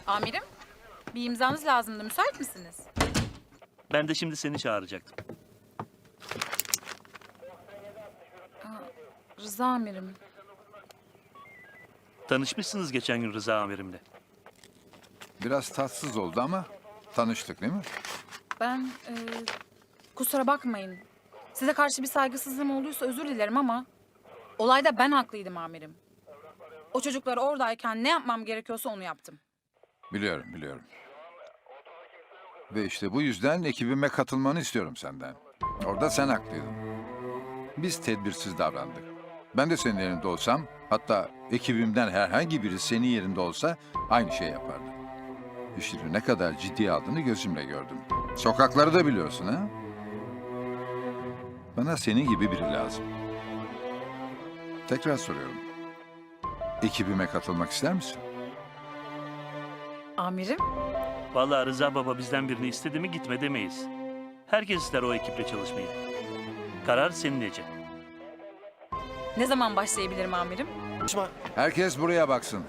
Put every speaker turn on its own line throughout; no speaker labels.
Amirim, bir imzanız lazımdı. Müsait misiniz?
Ben de şimdi seni çağıracaktım.
Rıza amirim.
Tanışmışsınız geçen gün Rıza amirimle.
Biraz tatsız oldu ama tanıştık değil mi?
Ben kusura bakmayın. Size karşı bir saygısızlığım olduysa özür dilerim ama olayda ben haklıydım amirim. O çocuklar oradayken ne yapmam gerekiyorsa onu yaptım.
Biliyorum. Ve işte bu yüzden ekibime katılmanı istiyorum senden. Orada sen haklıydın. Biz tedbirsiz davrandık. Ben de senin yerinde olsam, hatta ekibimden herhangi biri senin yerinde olsa aynı şey yapardı. İşini ne kadar ciddiye aldığını gözümle gördüm. Sokakları da biliyorsun ha? Bana senin gibi biri lazım. Tekrar soruyorum. Ekibime katılmak ister misin?
Amirim?
Vallahi Rıza baba bizden birini istedi mi gitme demeyiz. Herkes ister o ekiple çalışmayı. Karar senin Ece.
Ne zaman başlayabilirim amirim?
Herkes buraya baksın.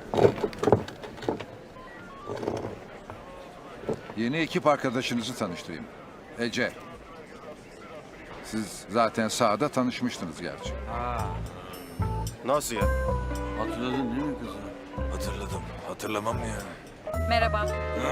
Yeni ekip arkadaşınızı tanıştırayım. Ece. Siz zaten sahada tanışmıştınız gerçi.
Nasıl ya?
Hatırladın değil mi kızı?
Hatırladım. Hatırlamam mı yani?
Merhaba.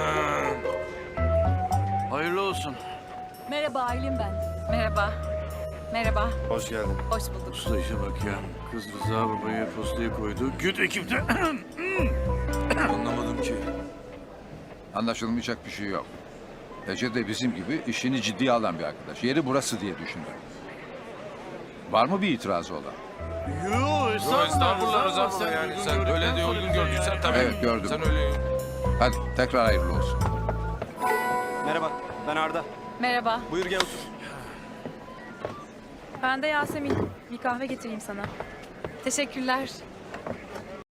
Hayırlı olsun.
Merhaba Aylin ben. Merhaba.
Hoş geldin.
Hoş bulduk.
Usta işe bak ya. Kız Rıza babaya postayı koydu. Güt ekipte.
Anlamadım ki.
Anlaşılmayacak bir şey yok. Ece de bizim gibi işini ciddiye alan bir arkadaş. Yeri burası diye düşündüm. Var mı bir itirazı olan?
Yo
Estağfurullah Rıza baba yani. Sen öyle de uygun gördüysen tabii.
Evet, gördüm.
Sen öyle...
Hadi tekrar hayırlı olsun.
Merhaba, ben Arda.
Merhaba.
Buyur gel otur.
Ben de Yasemin. Bir kahve getireyim sana.
Teşekkürler.